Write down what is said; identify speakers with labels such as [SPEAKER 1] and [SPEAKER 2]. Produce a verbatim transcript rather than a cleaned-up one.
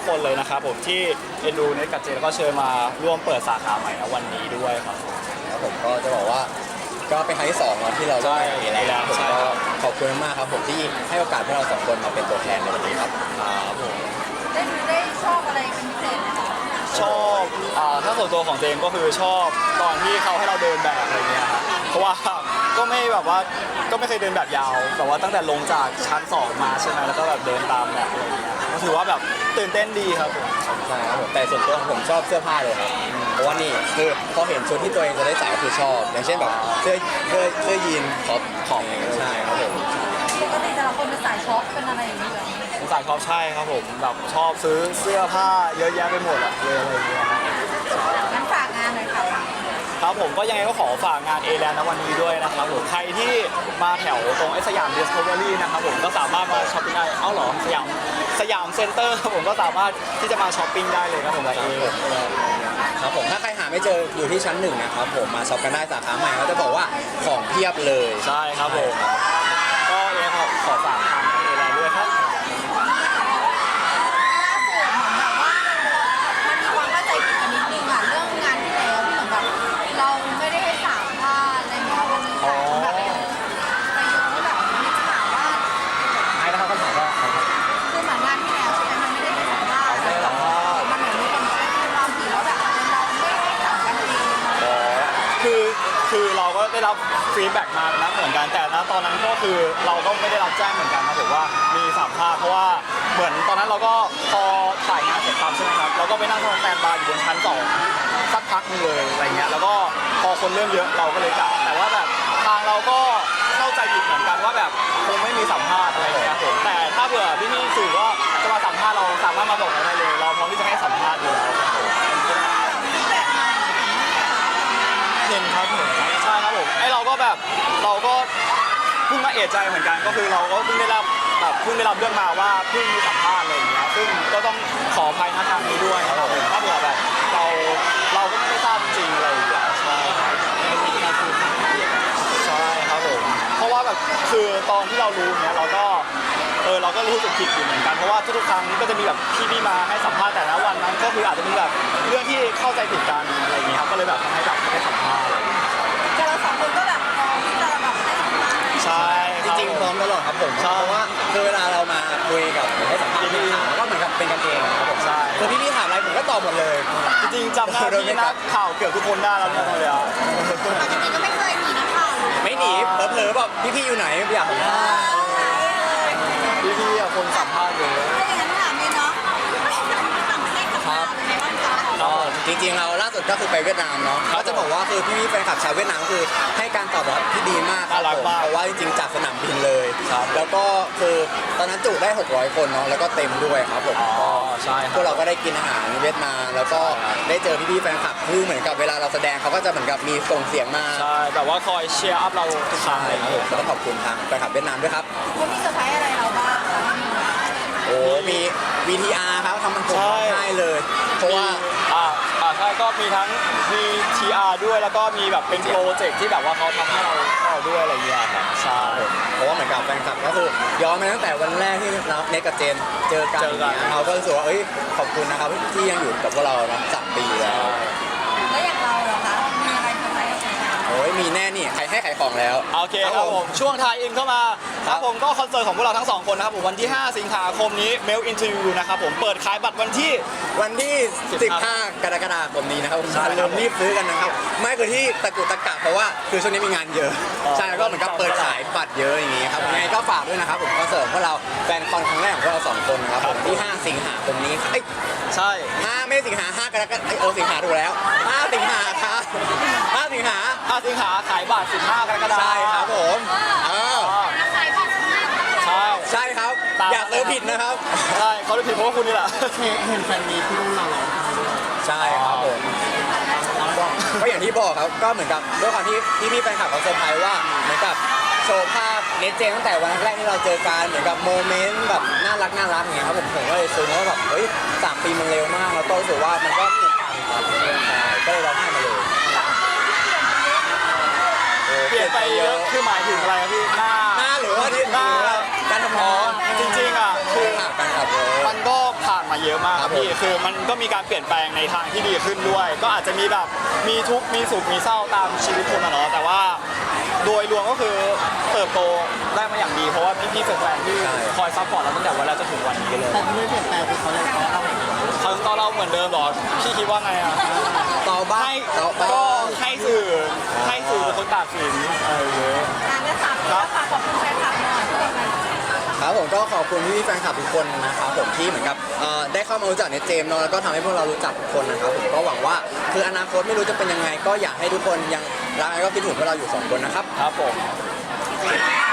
[SPEAKER 1] คนเลยนะครับผมที่เอ็นดูเน็ตกับเจแล้วก็เชิญมาร่วมเปิดสาขาใหม่ในวันนี้ด้วยครับ
[SPEAKER 2] ครับผมก็จะบอกว่าก็เป็นครั้งที่สองแล้วที่เราได้เห็นแล้วผมก็ขอบคุณมากครับผมที่ให้โอกาสให้เราสองคนมาเป็นตัวแทนในวันนี้ครับ
[SPEAKER 1] ครับผม
[SPEAKER 3] ได้ได้ชอบอะไรเป็นพิเศษไหมคะ
[SPEAKER 1] ชอบอ่าถ้าส่วนตัวของเจมก็คือชอบตอนที่เขาให้เราเดินแบบอะไรเงี้ยครับเพราะว่าก็ไม่แบบว่าก็ไม่เคยเดินแบบยาวแต่ว่าตั้งแต่ลงจากชั้นสองมาใช่ไหมแล้วก็แบบเดินตามแบบอะไรเงี้ยก็ถือว่าแบบตื่นเต้นดีครับผม
[SPEAKER 2] ใช่ครับผมแต่ส่วนตัวผมชอบเสื้อผ้าเลยครับเพราะว่านี่คือพอเห็นชุดที่ตัวเองจะได้ใส่ก็คือชอบอย่างเช่นแบบเสื้อเสื้อเสื้อยีนท็อปของใช่ครับผม
[SPEAKER 3] ปกติแต่ละคนเป็นสายช็อปเป็นอะไรอย่างนี้เหรอ
[SPEAKER 1] ผมสายชอบใช่ครับผมแบบชอบซื้อเสื้อผ้าเยอะแยะไปหมดอะเลยอะไรเงี้ย
[SPEAKER 3] งั้นฝากงานหน่อยค่ะ
[SPEAKER 1] ครับผมก็ยังไงก็ขอฝากงานเอแลนด์ในวันนี้ด้วยนะครับผมใครที่มาแถวตรงไอสยามดิสคัฟเวอรี่นะครับผมก็สามารถมาช้อปปิ้งได้เอ้าเหรอสยามสยามเซ็นเตอร์ผมก็สามารถที่จะมาช้อปปิ้งได้เลยครับผมกับเอ
[SPEAKER 2] ครับผมถ้าใครหาไม่เจออยู่ที่ชั้นหนึ่งนะครับผมมาช็อปกันได้สาขาใหม่เขาจะบอกว่าของเพียบเลย
[SPEAKER 1] ใช่ครับผมก็ยังไงขอขอฝากทางเอแลนด์ด้วยครับ
[SPEAKER 3] เราไม่ได้ให้สามพาดอะไรเงี้ยมันแบบประโยคที่แบบมีข่าวว่า
[SPEAKER 2] ไอ้นะครับคำถามว่า
[SPEAKER 3] คือเหมือนงานที่แล้วใช่ไหมมันไม่ได้ให้สามพาดมันเหมือนมีคนช่วยเราผีแล้วแบบเราไม่ให้จับกันเอง
[SPEAKER 1] อ๋อคือคือเราก็ได้รับฟีดแบ็กมานะเหมือนกันแต่นะตอนนั้นก็คือเราก็ไม่ได้รับแจ้งเหมือนกันครับผมว่ามีสามภาคเพราะว่าเหมือนตอนนั้นเราก็พอถ่ายงานเสร็จปั๊บใช่ไหมครับเราก็ไปนั่งทำแตนบาร์อยู่บนชั้นสองสักพักนึงเลยอะไรเงี้ยแล้วก็พอคนเริ่มเยอะเราก็เลยกลับแต่ว่าแบบทางเราก็เข้าใจผิดเหมือนกันว่าแบบคงไม่มีสัมภาษณ์อะไรเงี้ยผมแต่ถ้าเผื่อพี่พี่สื่อก็จะมาสัมภาษณ์เราสามารถมาบอกเราได้เลยเราพร้อมที่จะให้สัมภาษณ์อยู่แล้วเห็นครับเห็นครับใช่ครับผมไอเราก็แบบเราก็เพิ่งมาเอะใจเหมือนกันก็คือเราก็เพิ่งได้รับแบบเพิ่งได้รับเรื่องมาว่าเพิ่งมีสัมภาษณ์อะไรอย่างเงี้ยซึ่งก็ต้องขออภัยนะทางนี้ด้วยครับผมถ้าเผื่อแบบเราเราก็ไม่ได้ทราบจริงอะไรอย่างเงี้ยใช่ใช่ครับผมเพราะว่าแบบคือตอนที่เรารู้เนี้ยเราก็เออเราก็รู้สึกผิดอยู่เหมือนกันเพราะว่าทุกๆครั้งก็จะมีแบบพี่ๆมาให้สัมภาษณ์แต่ละวันนั้นก็คืออาจจะมีแบบเรื่องที่เข้าใจผิดกันอะไรอย่างเงี้ยครับก็เลยแบบทำให้แบบไม่ได้สัมภาษณ์
[SPEAKER 3] แต่เราสองคนก็แบบพร้อมที่จะแบบให้สัมภาษณ์
[SPEAKER 1] ใช่
[SPEAKER 2] จริงๆพร้อมตลอดครับผมเพราะว่าคือเวลาเรามาคุยกับให้สัมภาษณ์พี่ถามก็เหมือนกับเป็นกันเองครับผม
[SPEAKER 1] ใช่
[SPEAKER 2] คือพี่ๆถามอะไรผมก็ตอบหมดเลย
[SPEAKER 1] จริงๆจำได้พี่นักข่าวเกือบทุกคนได้แล้วเนี่ยเลยอ่ะ
[SPEAKER 3] ปกติก็ไม่เคยหนีนักข่าว
[SPEAKER 2] ไม่หนีเผลอๆแบบพี่ๆอยู่ไหนอยากสัมภาษณ์
[SPEAKER 1] พี่ๆอ่ะคนสัมภาษณ์เยอะ
[SPEAKER 3] ถ้าอย่างนั้นถามเลยเนาะต่างประเทศกับเราเป็นไงบ้างคะ
[SPEAKER 2] ก็จริงๆเราล่าสุดก็คือไปเวียดนามเนาะเขาจะบอกว่าคือพี่ๆแฟนคลับชาวเวียดนามคือให้การตอบรับที่ดีมากครับผมเพราะว่าจริงๆจากสนามบินเลยแล้วก็คือตอนนั้นจุได้หกร้อยคนเนาะแล้วก็เต็มด้วยครับผม
[SPEAKER 1] ก็ใช่
[SPEAKER 2] พวกเราก็ได้กินอาหารเวียดนามแล้วก็ได้เจอพี่ๆแฟนคลับคือเหมือนกับเวลาเราแสดงเขาก็จะเหมือนกับมีส่งเสียงมา
[SPEAKER 1] ใช่แบบว่าคอยเชียร์อัพเราทุกครั้งเลยครับ
[SPEAKER 2] แล้วก็ขอบคุณทางแฟนคลับเวียดนามด้วยครับ
[SPEAKER 3] เขามีเซอร์ไพรส์อะไรเราบ้าง
[SPEAKER 2] โอ้มี วี ที อาร์ ครับทำมันผมให้เลยเพราะว่า
[SPEAKER 1] อ่าอ่าใช่ก็มีทั้งมี ที อาร์ ด้วยแล้วก็มีแบบเป็นโปรเจกต์ที่แบบว่าเขาทำให้เราเราด้วยอะไรเงี้ยครับใช่
[SPEAKER 2] เพราะว่าเหมือนกับแฟนคลับก็คือย้อนมาตั้งแต่วันแรกที่เราเนกกับเจนเจอกันเขาก็รู้สึกว่าเอ้ยขอบคุณนะครับที่ยังอยู่กับพวกเราเนาะสามปีแล้ว
[SPEAKER 3] แล้วอย่างเราเหรอคะมีอะไรเซอร์ไพรส์
[SPEAKER 2] โอ้ยมีแน่นี่ใครให้ขายของแล้ว
[SPEAKER 1] โอเคครับผมช่วงทายอินเข้ามาครับผมก็คอนเสิร์ตของพวกเราทั้งสองคนนะครับผมวันที่ห้าสิงหาคมนี้ Mail Interview นะครับผมเปิดขายบัตรวันที่
[SPEAKER 2] วันที่สิบห้ากรกฎาคมนี้นะครับผมเริ่มรีบซื้อกันนะครับไม่คือที่ตะกุตะกะเพราะว่าคือช่วงนี้มีงานเยอะใช่แล้วก็เหมือนกับเปิดขายบัตรเยอะอย่างงี้ครับยังไงก็ฝากด้วยนะครับผมคอนเสิร์ตพวกเราแฟนคอนครั้งแรกของพวกเราสองคนนะครับผมที่ห้าสิงหาคมนี้เอ้ย
[SPEAKER 1] ใช่
[SPEAKER 2] ห้าไม่สิงหาห้ากรกฎาคมเออสิงหาถูกแล้วห้าสิงหาครับห้าสิงหา
[SPEAKER 1] ห้าสิงหาขายบัตรสิบห้ากรกฎาคม
[SPEAKER 2] ใช่ครับผมเออ
[SPEAKER 1] ใช่
[SPEAKER 2] ใช่ครับอย่าเติมผิดนะครับ
[SPEAKER 1] ใช่เขาจะผิดเพราะว่าคุณนี่แหละ
[SPEAKER 2] เห็นแฟนมีที่รุ่นเราใช่ครับผมก็อย่างที่บอกครับก็เหมือนกับด้วยความที่พี่พี่แฟนคลับเขาเซอร์ไพรส์ว่าเหมือนกับโชว์ภาพเนเจตั้งแต่วันแรกที่เราเจอกันเหมือนกับโมเมนต์แบบน่ารักน่ารักอย่างเงี้ยครับผมผมก็เลยซึ้งว่าแบบเฮ้ยสามปีมันเร็วมากแล้วก็รู้สึกว่ามันก็ผูกพันครับก็เลยร้องไห้มาเลย
[SPEAKER 1] เปลี่ยนไปเยอะคือหมายถึงอะไรครับพี่หน้า
[SPEAKER 2] หน้าหรือว่าที่
[SPEAKER 1] หน้า
[SPEAKER 2] การทำงาน
[SPEAKER 1] จริงๆอ่ะคือ
[SPEAKER 2] ผ่านกันครับ
[SPEAKER 1] มันก็ผ่านมาเยอะมากครับพี่คือมันก็มีการเปลี่ยนแปลงในทางที่ดีขึ้นด้วย ก็อาจจะมีแบบมีทุกข์มีสุขมีเศร้าตามชีวิตคนอะเนาะแต่ว่าโดยรวมก็คือเติบโตได้มาอย่างดีเพราะว่าพี่ๆแฟนๆที่คอยซัพพอร์ตเราตั้งแต่วันแรกจนถึงวันนี้เลย
[SPEAKER 4] แต่ที่ไม่เปลี่ยนแปลงคือเขายังต่อเรา
[SPEAKER 1] เขาต่อเราเหมือนเดิมเหรอพี่คิดว่าไงอ่ะ
[SPEAKER 2] ต่อบ้า
[SPEAKER 1] ให้
[SPEAKER 2] ต่อบ้า
[SPEAKER 1] ก็ให้สื่อให้สื่อเป็นคนตัดสินเออ
[SPEAKER 3] งานได้ฝากแล้วฝากขอบคุณแฟนคลับหน่อยที่เป็นไง
[SPEAKER 2] ครับผมก็ขอบคุณพี่ๆแฟนคลับทุกคนนะครับผมที่เหมือนกับเอ่อได้เข้ามารู้จักเนตเจมส์เนาะแล้วก็ทำให้พวกเรารู้จักทุกคนนะครับผมก็หวังว่าคืออนาคตไม่รู้จะเป็นยังไง ก็อยากให้ทุกคนยังรักแล้วก็คิดถึงพวกเราอยู่สองคนนะครับ
[SPEAKER 1] ครับผม
[SPEAKER 3] ข